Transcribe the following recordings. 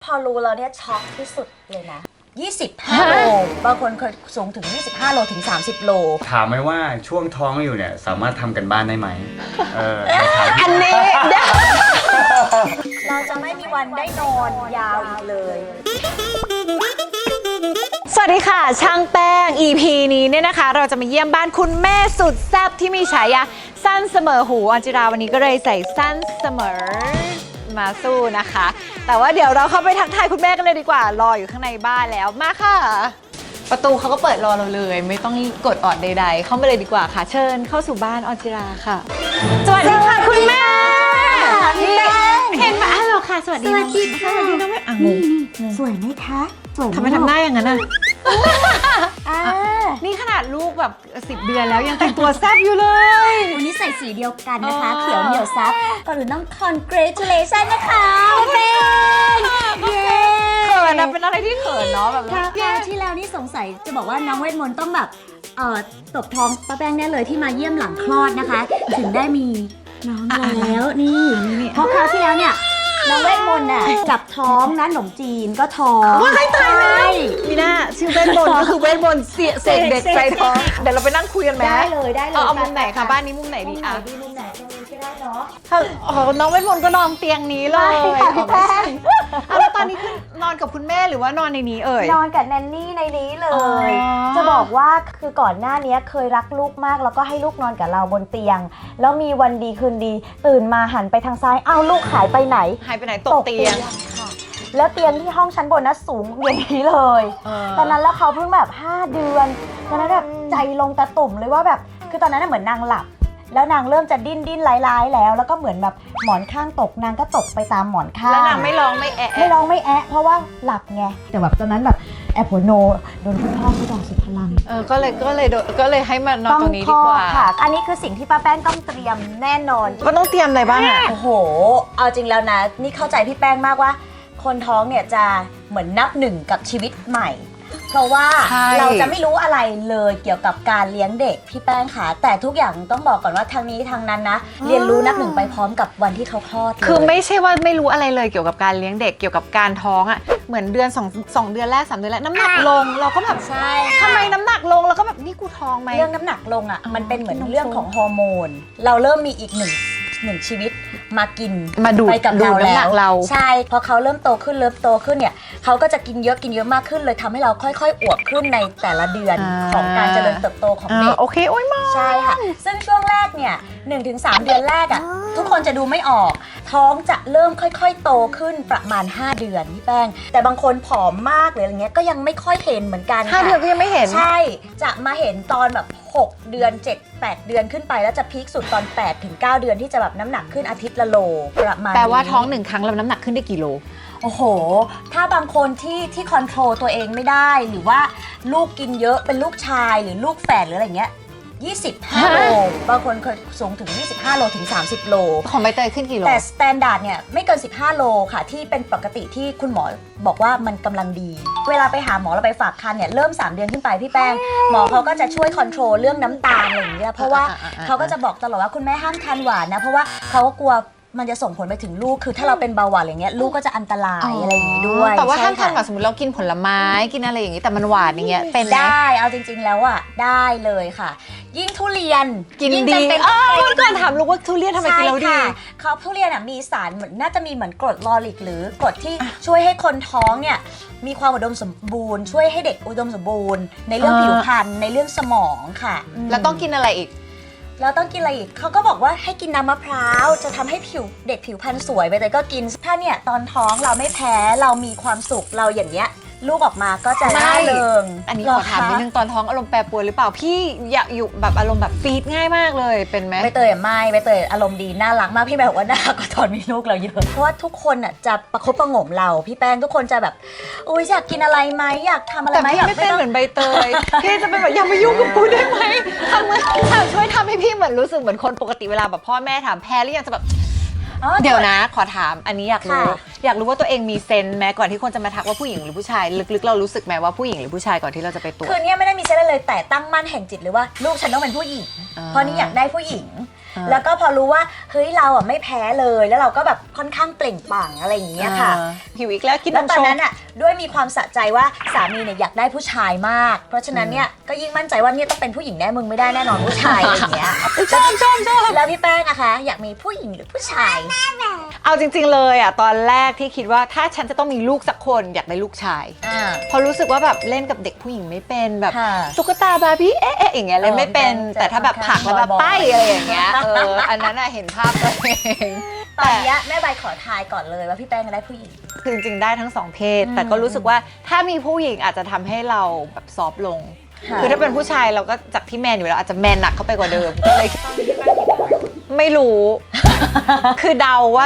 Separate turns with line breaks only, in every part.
อรู้แล้วเนี่ยช็อกที่สุดเลยนะ25 โลบางคนเคยสูงถึง25 โลถึง30 โล
ถามไหมว่าช่วงท้องอยู่เนี่ยสามารถทำกันบ้านได้ไหม
อันนี้เราจะไม่มีวันได้นอนยาวอีกเลย
สวัสดีค่ะช่างแป้ง EP นี้เนี่ยนะคะเราจะมาเยี่ยมบ้านคุณแม่สุดแซ่บที่มีฉายาสั้นเสมอหูอัญจิราวันนี้ก็เลยใส่สั้นเสมอมาสู้นะคะ แต่ว่าเดี๋ยวเราเข้าไปทักทายคุณแม่กันเลยดีกว่ารออยู่ข้างในบ้านแล้วมาค่ะประตูเขาก็เปิดรอเราเลยไม่ต้องกดออดใดๆเข้ามาเลยดีกว่าค่ะเชิญเข้าสู่บ้านอัญจิราค่ะสวัสดีค่ะคุณแม่เห็นไหมฮัลโหลค่ะสวัสดีน้องค่ะสวัสดีน้องแม่
นี่สวยไหมคะสวย
ทำไมทำหน้าอย่างนั้นอ่ะนี่ขนาดลูกแบบ10 เดือนแล้วยังแต่งตัวแซ่บอยู่เลย
วันนี้ใส่สีเดียวกันนะคะเขียวเหนียวซับก่อนอื่นต้อง congratulation นะคะเป็นเย้
เขินนะเป็นอะไรที่เขินเนาะแบบ
คราวที่แล้วนี่สงสัยจะบอกว่าน้องเวทมนต์ต้องแบบตบท้องป้าแป้งแน่เลยที่มาเยี่ยมหลังคลอดนะคะถึงได้มีน้องแล้วนี่เพราะคราวที่แล้วเนี่ยน้องเวทมนต์น่ะจับท้องนะขนมจีนก็ท้อง
ว้ายตายแล้วมีหน้าชื่อเวทมนต์ก็คือเวทมนต์เสกเด็กใจท้องเดี๋ยวเราไปนั่งคุยกันไหม
ได้เลย
เอามุมไหนคะบ้านนี้มุมไหนดีอ่ะ
มุมไหนก็ได้เนาะ
น้องเวทมนต์ก็นอนเตียงนี้เลย
พี่แป้ง
แล้วตอนนี้คือนอนกับคุณแม่หรือว่านอนในนี้เอ่ย
นอนกับแนนนี่ในนี้เลยจะบอกว่าคือก่อนหน้านี้เคยรักลูกมากแล้วก็ให้ลูกนอนกับเราบนเตียงแล้วมีวันดีคืนดีตื่นมาหันไปทางซ้ายอ้าวลูกหายไปไหน
ตกเตียง
ค่ะแล้วเตียงที่ห้องชั้นบนนะสูงอย่างนี้เลยตอนนั้นแล้วเขาเพิ่งแบบ5 เดือนตอนนั้นแบบใจลงตะตุ่มเลยว่าแบบคือตอนนั้นเหมือนนางหลับแล้วนางเริ่มจะดิ้นร้ายแล้วก็เหมือนแบบหมอนข้างตกนางก็ตกไปตามหมอนข้าง
แล้วนางไม่ร้องไม่แอะ
เพราะว่าหลับไงแต่แบบตอนนั้นแบบแอบหัวโนโดนคุณพ่อเขาด่าสุดพลัง
ก็เลยให้มานอนตรงนี้ดีกว่า
ค่ะอันนี้คือสิ่งที่ป้าแป้งต้องเตรียมแน่นอน
ก็ต้องเตรียมอะไรบ้าง
โอ้โหเอาจริงแล้วนะนี่เข้าใจพี่แป้งมากว่าคนท้องเนี่ยจะเหมือนนับหนึ่งกับชีวิตใหม่เพราะว่าเราจะไม่รู้อะไรเลยเกี่ยวกับการเลี้ยงเด็กพี่แป้งค่ะแต่ทุกอย่างต้องบอกก่อนว่าทางนี้ทางนั้นนะเรียนรู้นับหนึ่งไปพร้อมกับวันที่เขาคลอด
คือไม่ใช่ว่าไม่รู้อะไรเลยเกี่ยวกับการเลี้ยงเด็กเกี่ยวกับการท้องอ่ะเหมือนเดือน2 เดือนแรก3 เดือนแรกน้ำหนักลงเราก็แบบ
ใช่
ทำไมน้ำหนักลงเราก็แบบนี่กูท้องไหม
เรื่องน้ำหนักลงอ่ะมันเป็นเหมือนเรื่องของฮอร์โมนเราเริ่มมีอีกหนึ่งชีวิตมากิน
มาดูด
ไปกับเรา
แล้ว
ใช่พอเขาเริ่มโตขึ้นเนี่ยเขาก็จะกินเยอะมากขึ้นเลยทำให้เราค่อยๆอวบขึ้นในแต่ละเดือนของการเจริญเติบโตของเด็ก
โอเคโอ้ยมา
ใช่ค่ะซึ่งช่วงแรกเนี่ย 1-3 เดือนแรกอ่ะทุกคนจะดูไม่ออกท้องจะเริ่มค่อยๆโตขึ้นประมาณ5 เดือนพี่แป้งแต่บางคนผอมมากหรืออะไรเงี้ยก็ยังไม่ค่อยเห็นเหมือนกัน
5 เดือนก็ยังไม่เห็น
ใช่จะมาเห็นตอนแบบ6 เดือน7-8 เดือนขึ้นไปแล้วจะพีคสุดตอน8-9 เดือนที่จะแบบน้ำหนักขึ้นอาทิตย์ละโลประมาณ
แปลว่าท้อง1 ครั้งแล้วน้ำหนักขึ้นได้กี่โล
โอ้โหถ้าบางคนที่คอนโทรลตัวเองไม่ได้หรือว่าลูกกินเยอะเป็นลูกชายหรือลูกแฝดหรืออะไรเงี้ย25 โลบางคนเคยสูงถึง25 โลถึง30 โล
ของใบเตยขึ้นกี่โล
แต่สแตนดาร์ดเนี่ยไม่เกิน15 โลค่ะที่เป็นปกติที่คุณหมอบอกว่ามันกำลังดีเวลาไปหาหมอเราไปฝากครรภ์เนี่ยเริ่ม3 เดือนขึ้นไปพี่แป้งหมอเขาก็จะช่วยคอนโทรลเรื่องน้ำตาลอะไรอย่างเงี้ยเพราะว่าเขาก็จะบอกตลอดว่าคุณแม่ห้ามทานหวานนะเพราะว่าเขาก็กลัวมันจะส่งผลไปถึงลูกคือถ้าเราเป็นเบาหวานอะไรเงี้ยลูกก็จะอันตรายอะไรอย่างงี้ด้วย
แต่ว่าห้ามทานหวานสมมติเรากินผลไม้กินอะไรอย่างงี้แต่มันหวานอย่างเงี้ยเป็น
ได้เอาจริงๆแล้วอ่ะได้เลยค่ะยิ่งทุเรียน
กินดีเมื่อก่อนถามลูกว่าทุเรียนทำไมกินแล้วดี
เขาทุเรียนมีสารเหมือนน่าจะมีเหมือนกรดลอริกหรือกรดที่ช่วยให้คนท้องเนี่ยมีความอุดมสมบูรณ์ช่วยให้เด็กอุดมสมบูรณ์ในเรื่องผิวพรรณในเรื่องสมองค่ะ
แล้วต้องกินอะไรอีก
แล้วต้องกินอะไรอีกเขาก็บอกว่าให้กินน้ำมะพร้าวจะทำให้เด็กผิวพรรณสวยไปแต่ก็กินถ้าเนี่ยตอนท้องเราไม่แพ้เรามีความสุขเราอย่างเงี้ยลูกออกมาก็จะร่าเริง
อันนี้ขอถามนิดนึงตอนท้องอารมณ์แปรปรวนหรือเปล่าพี่อยากอยู่แบบอารมณ์แบบฟีดง่ายมากเลยเป็นไหม
ใบเตยไม่ใบเตยอารมณ์ดีน่ารักมากพี่แบบว่าน่าก็ตอนมีลูกเราเยอะเพราะว่าทุกคนอ่ะจะประคบประหงมเราพี่แป้งทุกคนจะแบบอุ้ยอยากกินอะไรไหมอยากทำอะไรไหม
แต่พี่ไม่เป็นเหมือนใบเตยพี่จะเป็นแบบอย่ามายุ่งกับกูได้ไหมช่วยทำให้พี่เหมือนรู้สึกเหมือนคนปกติเวลาแบบพ่อแม่ถามแพ้หรือยังจะแบบเดี๋ยวนะขอถามอันนี้อยากรู้ว่าตัวเองมีเซนส์ไหมก่อนที่คนจะมาทักว่าผู้หญิงหรือผู้ชายลึกๆเรารู้สึกไหมว่าผู้หญิงหรือผู้ชายก่อนที่เราจะไปตรวจ
คือเนี่ยไม่ได้มีเซนส์เลยแต่ตั้งมั่นแห่งจิตเลยว่าลูกฉันต้องเป็นผู้หญิงเพราะนี่อยากได้ผู้หญิงแล้วก็พอรู้ว่าเฮ้ยเราอ่ะไม่แพ้เลยแล้วเราก็แบบค่อนข้างเปล่งปลั่งอะไรอย่างเงี้ยค่ะ
หิวอีกแล้วกิน
แล้ว
นม
ตอน
ช
นั้
ง
นอ่ะด้วยมีความสะใจว่าสามีเนี่ยอยากได้ผู้ชายมาก เพราะฉะนั้นเนี่ยก็ยิ่งมั่นใจว่าเนี่ยต้องเป็นผู้หญิงแน่มึงไม่ได้แน่นอนผู้ชายอะไรอย่างเงี้ย
ชอบ
แล้วพี่แป้งอะคะอยากมีผู้หญิงหรือผู้ชาย
เอาจริงๆเลยอ่ะตอนแรกที่คิดว่าถ้าฉันจะต้องมีลูกสักคนอยากได้ลูกชายพอรู้สึกว่าแบบเล่นกับเด็กผู้หญิงไม่เป็นแบบ
ค่ะ
ตุ๊กตาบาร์บี้เอ๊ะอย่างเงี้ยเล่นไม่เป็น
จะ
แต่ถ้าแบบผลักแล้วแบบ
บอยๆ
ป้ายอะไรอย่างเงี้ยอันนั้นอะเห็นภาพตัวเอง
ตอนเนี้ยแม่ใบขอทายก่อนเลยว่าพี่แป้งจะได้ผู้หญิง
คือจริงๆได้ทั้งสองเพศ แต่ก็รู้สึกว่าถ้ามีผู้หญิงอาจจะทำให้เราแบบซอฟต์ลง
ค่ะ
คือถ้าเป็นผู้ชายเราก็จากที่แมนอยู่แล้วอาจจะแมนหนักเข้าไปกว่าเดิมก็เลยไม่รู้ คือเดาว่า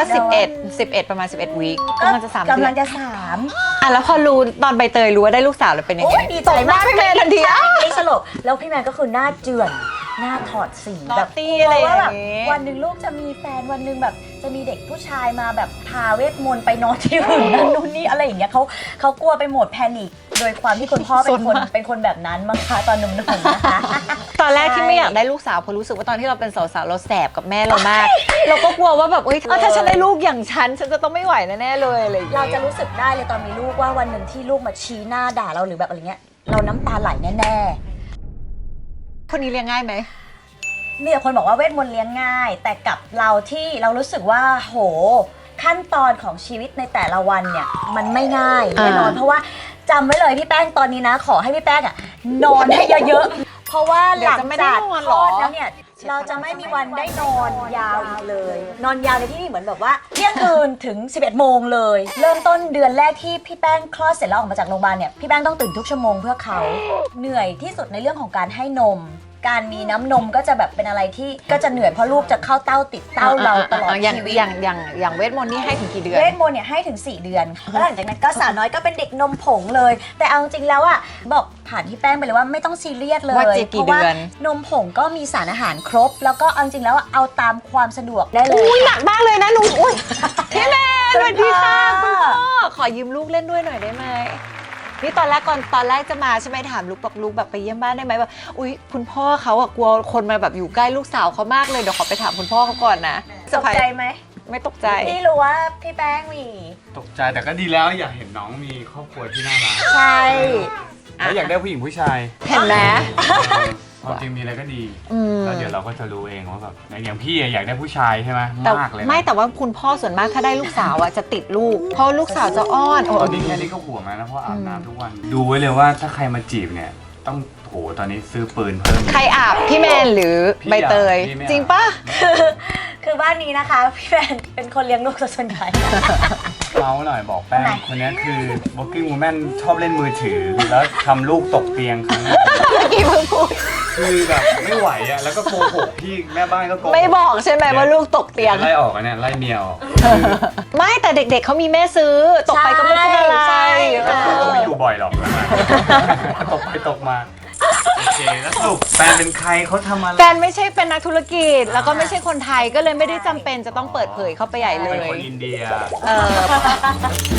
11ประมาณ 11 วีคก็มันจะ3 เดื
กำ
อ
ลั
น
งจะ3
อ่ะแล้วพอรู้ตอนใบเตยรู้ว่าได้ลูกสาวแล้วเป็นยัง
โอ้
ไง
ยดีใจมาก
ตบหน้พี่แมนทันทีอ่ะ
ไอ้สลบแล้วพี่แมนก็คือหน้าเจือนหน้าถอดสี
นอต
แบบ
ตี้
กลัว
อะไรอย่าง
ว่าแบบ
งี้
วันหนึ่งลูกจะมีแฟนวันหนึ่งแบบจะมีเด็กผู้ชายมาแบบพาเวทมนต์ไปนอนที่อื่นนั่นนู่นนี่อะไรอย่างเงี้ยเขากลัวไปหมดแพนิคโดยความที่คุณพ่อเป็นคนแบบนั้นมั้งคะตอนหนุ่มๆนะคะ
ตอนแรกที่ไม่อยากได้ลูกสาวเพราะรู้สึกว่าตอนที่เราเป็นสาวๆเราแสบกับแม่เรามาก เราก็กลัวว่าแบบเอ้ยถ้าฉันได้ลูกอย่างฉันจะต้องไม่ไหวแน่ๆเลยอะไรอย่าง
เรา
เงี้ย
จะรู้สึกได้เลยตอนมีลูกว่าวันหนึ่งที่ลูกมาชี้หน้าด่าเราหรือแบบอะไรเงี้ยเราน้ำตาไหลแน่ๆ
คนนี้เลี้ยงง่ายไหม
มีแต่คนบอกว่าเวทมนต์เลี้ยงง่าย แต่กับเราที่เรารู้สึกว่าโหขั้นตอนของชีวิตในแต่ละวันเนี่ยมันไม่ง่ายแน่นอนเพราะว่าจำไว้เลยพี่แป้งตอนนี้นะ ขอให้พี่แป้งอะนอนให้เยอะๆเพราะว่าหลังจากคลอดแล้วเนี่ยเราจะไม่มีวันได้นอนยาวอีกเลย นอนยาวในที่นี่เหมือนแบบว่าเที่ยงคืนถึง 11 โมงเลย เริ่มต้นเดือนแรกที่พี่แป้งคลอดเสร็จแล้วออกมาจากโรงพยาบาลเนี่ยพี่แป้งต้องตื่นทุกชั่วโมงเพื่อเขาเหนื่อยที่สุดในเรื่องของการให้นม การมีน้ำนมก็จะแบบเป็นอะไรที่ก็จะเหนื่อยเพราะลูกจะเข้าเต้าติดเต้าเราตลอด
อย่าง
ชีวิต
อย่างเวทมนต์นี่ให้ถึงกี่เดือน
เวทมนต์เนี่ยให้ถึง 4 เดือนแล้วหลังจากนั้นก็สาวน้อยก็เป็นเด็กนมผงเลย แต่เอาจริงๆแล้วอ่ะบอกผ่านที่แป้งไปเลยว่าไม่ต้องซีเรียสเลย
ว่าจะกี่
เพราะว่า
เดือน
นมผงก็มีสารอาหารครบ แล้วก็เอาจริงๆแล้วอะเอาตามความสะดวกได้เลย
อุ้ยหนักมากเลยนะหนูอุ้ยพี่แมนสวัสดีค่ะ
คุ
คุณ
ณพ่
พ่อ
อ
ขอยืมลูกเล่นด้วยหน่อยได้ไหมนี่ตอนแรกจะมาใช่ไหมถามลูกบอกลูกแบบไปเยี่ยมบ้านได้ไหมแบบอุ้ยคุณพ่อเขาอะกลัวคนมาแบบอยู่ใกล้ลูกสาวเขามากเลยเดี๋ยวขอไปถามคุณพ่อเขาก่อนนะ
ตกใจไหม
ไม่ตกใจ
พี่รู้ว่าพี่แป้งมี
ตกใจแต่ก็ดีแล้วอยากเห็นน้องมีครอบครัวที่น่ารัก
ใช่
แล้วอยากได้ผู้หญิงผู้ชาย
เห็นไหม
ความจริงมีอะไรก็ดี
อืม
แล้วเดี๋ยวเราก็จะรู้เองว่าแบบอย่างพี่อะอยากได้ผู้ชายใช่ไหม
แต่
มากเลยนะ
ไม่แต่ว่าคุณพ่อส่วนมากถ้าได้ลูกสาวอะจะติดลูก เพราะลูกสาวจะอ้อนโอ้
ตอนนี้แค่นี้ก็ห่วงแล้วนะเพราะอาบน้ำทุกวัน ดูไว้เลยว่าถ้าใครมาจีบเนี่ยต้องโหตอนนี้ซื้อปืนเพิ่ม
ใครอาบพี่แมนหรือ
พี่
ใบเตย
อาบพี่ไม่อาบ
จริงปะ
คือบ้านนี้นะคะพี่แป้งเป็นคนเลี้ยงลูกซะส่วนใหญ่
เมาส์หน่อยบอกแป้ง
ทำไม
คนนี้คือ working woman ชอบเล่นมือถือ แล้วทำลูกตกเตียงครั้งแรก
เมื่อกี้เพิ่งพูด
คือแบบไม่ไหวอ่ะแล้วก็โกหกพี่แม่บ้านก็โกหก
ไม่บอกใช่ไหมว่าลูกตกเตียง
ไล่ออกอ่ะเนี่ยไล่เมียออก
ไม่แต่เด็กๆเขามีแม่ซื้อ ตกไปก็ไม่เป็นอะไร
ใช่
เอ
ก็
อ
ไม่อยู่บ่อยหรอกตกไปตกมาโอเคแล้วสรุปแฟนเป็นใครเขาทำอะไร
แฟนไม่ใช่เป็นนักธุรกิจ แล้วก็ไม่ใช่คนไทยก็เลยไม่ได้จำเป็นจะต้องเปิดเผยเข้าไปใหญ่เล
เป็น
ย
คนอินเดีย
เออ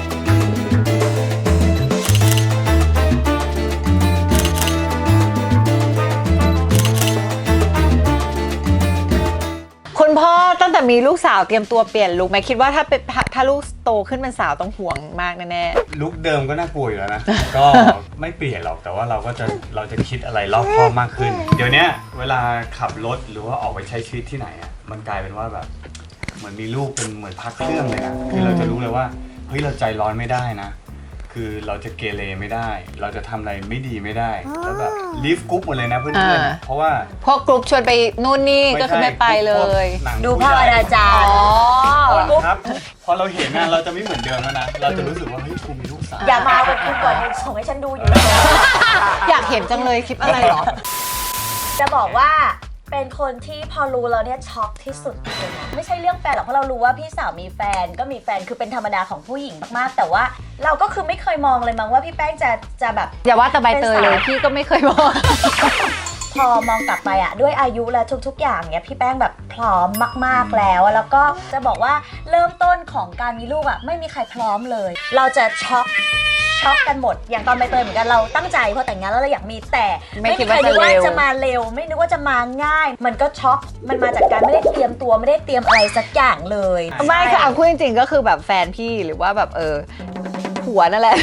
คุณพ่อตั้งแต่มีลูกสาวเตรียมตัวเปลี่ยนลุคไหมคิดว่าถ้าลูกโตขึ้นเป็นสาวต้องห่วงมากแน่
ลุคเดิมก็น่ากลัวอยู่แล้วนะ ก็ไม่เปลี่ยนหรอกแต่ว่าเราจะคิดอะไรรอบคอบมากขึ้น เดี๋ยวเนี้ยเวลาขับรถหรือว่าออกไปใช้ชีวิตที่ไหนอ่ะมันกลายเป็นว่าแบบเหมือนมีลูกเป็นเหมือนพักเครื่องเลยนะคือเราจะรู้เลยว่าเฮ้ยเราใจร้อนไม่ได้นะ คือเราจะเกเรไม่ได้ เราจะทำอะไรไม่ดีไม่ได้แล้วแบบลีฟกรุ๊ปหมดเลยนะเพื่อนๆนะเพราะว่า
ๆพวกกรุ๊ปชวนไปนู่นนี่ก็คือไม่ไปเลย
หนัง
ดูพ่ออนาจา
อ๋
ร
อ
ย์
ก่อนครับพอเราเห็นนะเราจะไม่เหมือนเดิมแล้วนะเราจะรู้สึกว่าเฮ้ยกูมีลูกสาว
อย่ามาเป็นคุณก่อนส่งให้ฉันดูอยู่เลย
อยากเห็นจังเลยคลิปอะไรเหรอ
จะบอกว่าเป็นคนที่พอรู้แล้วเนี่ยช็อกที่สุดเลยนะไม่ใช่เรื่องแฟนหรอกเพราะเรารู้ว่าพี่สาวมีแฟนก็มีแฟนคือเป็นธรรมดาของผู้หญิงมากๆแต่ว่าเราก็คือไม่เคยมองเลยมั้งว่าพี่แป้งจะแบบ
อย่าว่าแต่ใบเตยเลยพี่ก็ไม่เคยบอก
พอมองกลับไปอะด้วยอายุและทุกๆอย่างเนี่ยพี่แป้งแบบพร้อมมากๆแล้วอะแล้วก็จะบอกว่าเริ่มต้นของการมีลูกอะไม่มีใครพร้อมเลย เราจะช็อกช็อกกันหมดอย่างตอนใบเตยเหมือนกันเราตั้งใจพอแต่งงานแล้วเราอยากมีแต่
ไม่คิด
ใคร
ว่า
นึกว่า
จะเร็ว
จะมาเร็วไม่นึกว่าจะมาง่าย มันก็ช็อกมันมาจากการไม่ได้เตรียมตัวไม่ได้เตรียมอะไรสักอย่างเลย
ไม่คือเอาพูดจริงๆก็คือแบบแฟนพี่หรือว่าแบบผัวนั่นแหละ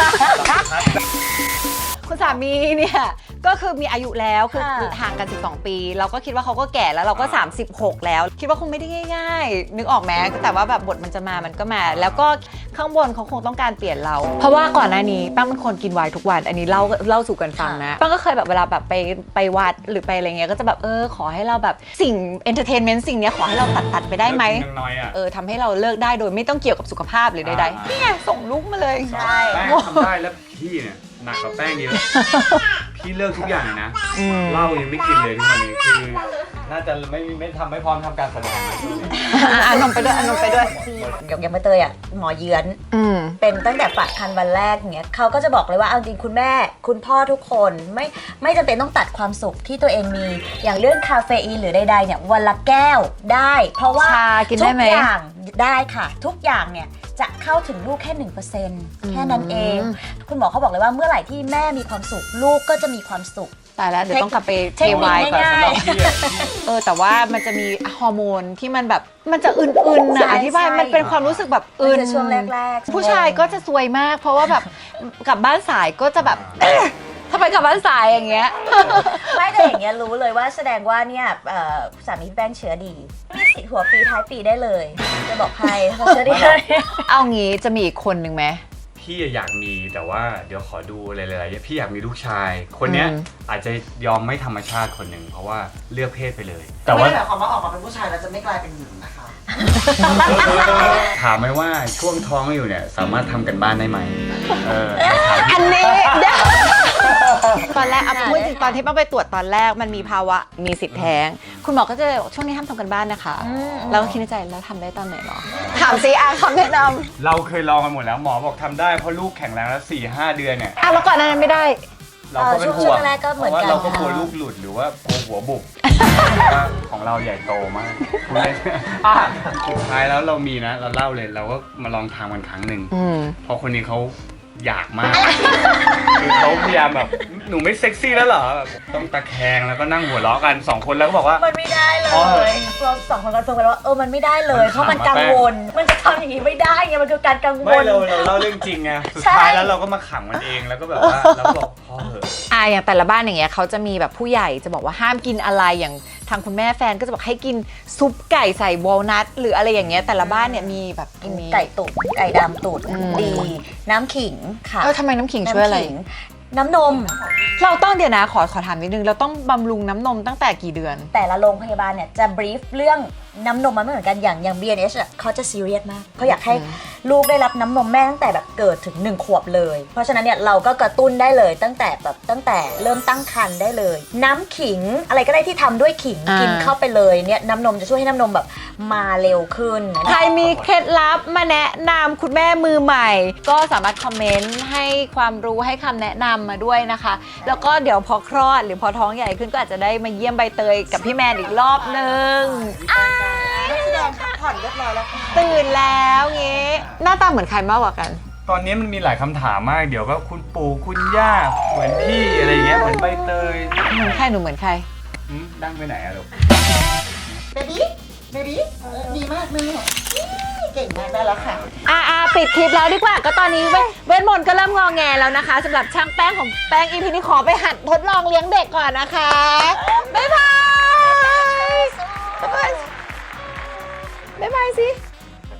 คุณสามีเนี่ยก็คือมีอายุแล้วคือห่างกัน12 ปีเราก็คิดว่าเขาก็แก่แล้วเราก็36แล้วคิดว่าคงไม่ได้ง่ายๆนึกออกไหมแต่ว่าแบบบทมันจะมามันก็มา แล้วก็ข้างบนเขาคงต้องการเปลี่ยนเรา เพราะว่าก่อนหน้านี้ป้าเป็นคนกินไวน์ทุกวันอันนี้เล่าสู่กันฟังนะป้าก็เคยแบบเวลาแบบไปวัดหรือไปอะไรเงี้ยก็จะแบบขอให้เราแบบสิ่งเอนเตอร์เทนเมนต์สิ่งเนี้ยขอให้เราตัดไปได้ไหม
น้อยๆอ่ะ
ทำให้เราเลิกได้โดยไม่ต้องเกี่ยวกับสุขภาพหรือใดๆนี่ไงส่งลูกมาเลย
ใช่
แป้งทำได้แล้วพี่เนี่ยหนักกว่าแป้งเยอะ พี่เลิกทุกอย่างเลยนะเหล้ายังไม่กินเลยทุกวันนี้คือน่าจะไม่ทำไม่พร้อมทำการแสดงเลยช่วงนี้
นมไปด้วยนมไปด้วย
อย่างใบเตยหมอเยื้อนเป็นตั้งแต่ฝากคันวันแรกเนี้ยเขาก็จะบอกเลยว่าเอาจริงคุณแม่คุณพ่อทุกคนไม่จำเป็นต้องตัดความสุขที่ตัวเองมีอย่างเรื่องคาเฟอีนหรือใดๆเนี่ยวันละแก้วได้ เพราะว่า
ชากินได้ไหม
ทุกอย่างได้ค่ะ ทุกอย่างเนี่ยจะเข้าถึงลูกแค่ 1% แค่นั้นเอง คุณหมอเขาบอกเลยว่าเมื่อไหร่ที่แม่มีความสุขลูกก็จะมีความสุข
ตายแล้วเดี๋ยวต้องกลับไปเท
เทคนิคว
าย
ง่
ก่อน
าย
สำหรับพี่อะ
แต่ว่ามันจะมีฮอร์โมนที่มันแบบมันจะอื่นๆ
ใช่
นะอธิบาย
ใช่
มันเป็นความรู้สึกแบบ
ๆ
อื่น
จะช่วงแรกๆ
ผู้ชายก็จะซวยมาก เพราะว่าแบบกลับบ้านสายก็จะแบบทำไมกลับบ้านสายอย่างเงี้ย
ไม่แต่อย่างเงี้ยรู้เลยว่าแสดงว่าเนี่ยสามีพี่แป้งเชื้อดีมีสิทธิ์หัวปีท้ายปีได้เลย จะบอกใครเขาเชื้อดีเลย
เอางี้จะมีอีกคนหนึ่งไหม
พี่อยากมีแต่ว่าเดี๋ยวขอดูอะไรหลายๆอย่างพี่อยากมีลูกชาย คนเนี้ยอาจจะยอมไม่ธรรมชาติคนหนึ่งเพราะว่าเลือกเพศไปเลย แต่
ไม่
ว่า
ได้หมายความว่าออกมาเป็นผู้ชายแล้วจะไม่กลายเป็นหญิงนะคะ
ถามไหมว่าช่วงท้องอยู่เนี่ยสามารถทำกันบ้านได้ไหมถาม
อันนี้เดี๋ยวตอนแรกเอาพูดจริงตอนที่ป้าไปตรวจตอนแรกมันมีภาวะมีสิทธิ์แท้งคุณหมอก็จะบอกช่วงนี้ห้ามทำกันบ้านนะคะแล้วก็คิดในใจแล้วทำได้ตอนไหนหรอถามซิคำแนะนำ
เราเคยลองกันหมดแล้วหมอบอกทำได้เพราะลูกแข็งแรงแล้ว 4-5 เดือนเนี่ย
แล้วก่อนหนานั้นไม่ได้
เราก็เป็นห่วง
ช่วงแรกก็เหมือนกัน
พราะว่าเราก็กลัวลูกหลุดหรือว่ากลัวหัวบุบว่าของเราใหญ่โตมากพูดเล่นสุดท้ายแล้วเรามีนะเราเล่าเลยเราก็มาลองทำกันครั้งหนึ่งเพราะคนนี้เขาอยากมากคือเขาพยายามแบบหนูไม่เซ็กซี่แล้วเหรอแบบต้องตะแคงแล้วก็นั่งหัวเราะกัน2 คนแล้วก็บอกว่า
มันไม่ได้เล
อ๋อ
ยเราสองคนคอนเฟิร์มกันว่ามันไม่ได้เลย
มัน
เพราะมัน
ขำอะ
กังวล มันจะทำอย่างนี้ไม่ได้ไงมันคือการกังว
ไม่
ล
เราเล่าเรื่องจริงไงสุด
ใช่
ท้ายแล้วเราก็มาขังมันเองแล้วก็แบบว่าเราก็บอกพ่อเหอะ
อย่างแต่ละบ้านอย่างเงี้ยเขาจะมีแบบผู้ใหญ่จะบอกว่าห้ามกินอะไรอย่างทางคุณแม่แฟนก็จะบอกให้กินซุปไก่ใส่วอลนัทหรืออะไรอย่างเงี้ยแต่ละบ้านเนี่ยมีแบบมี
ไก่ตุ๋นไก่ดำตุ๋นดี น้ำขิงค่ะ
ทำไมน้ำขิงช่วยอะไร
น้ำขิงน้ำนม
เราต้องเดี๋ยวนะขอถามนิดนึงเราต้องบำรุงน้ำนมตั้งแต่กี่เดือน
แต่ละโรงพยาบาลเนี่ยจะบรีฟเรื่องน้ำนมมันไม่เหมือนกันอย่าง B&H อ่ะเขาจะซีเรียสมากเขาอยากให้ลูกได้รับน้ำนมแม่ตั้งแต่แบบเกิดถึง1 ขวบเลย เพราะฉะนั้นเนี่ยเราก็กระตุ้นได้เลยตั้งแต่เริ่มตั้งครรภ์ได้เลย น้ำขิงอะไรก็ได้ที่ทำด้วยขิงกินเข้าไปเลยเนี่ยน้ำนมจะช่วยให้น้ำนมแบบมาเร็วขึ้น
ใครมีเคล็ดลับมาแนะนำคุณแม่มือใหม่ ก็สามารถคอมเมนต์ให้ความรู้ให้คำแนะนำมาด้วยนะคะ แล้วก็เดี๋ยวพอคลอดหรือพอท้องใหญ่ขึ้นก็อาจจะได้มาเยี่ยมใบเตยกับพี่แมนอีกรอบนึง
นักแสดงพักผ่อนเรียบร้อยแล้วค่ะ
ตื่นแล้วงี้หน้าตาเหมือนใครมากกว่ากัน
ตอนนี้มันมีหลายคำถามมาก เดี๋ยวก็คุณปู่คุณย่าเหมือนพี่อะไรเงี้ยเหมือนใบเตย
เหมือนใครหนูเหมือนใคร
ดั้งไปไหนอะลูก
เบบี้ดีมากเลยเก่งมากได้แล้วค่ะ
ปิดคลิปแล้วดีกว่าก็ตอนนี้เวทมนต์ก็เริ่มงอแงแล้วนะคะสำหรับช่างแป้งของแป้ง EP นี้ขอไปหัดทดลองเลี้ยงเด็กก่อนนะคะบ๊ายบายบ๊ายบายสิ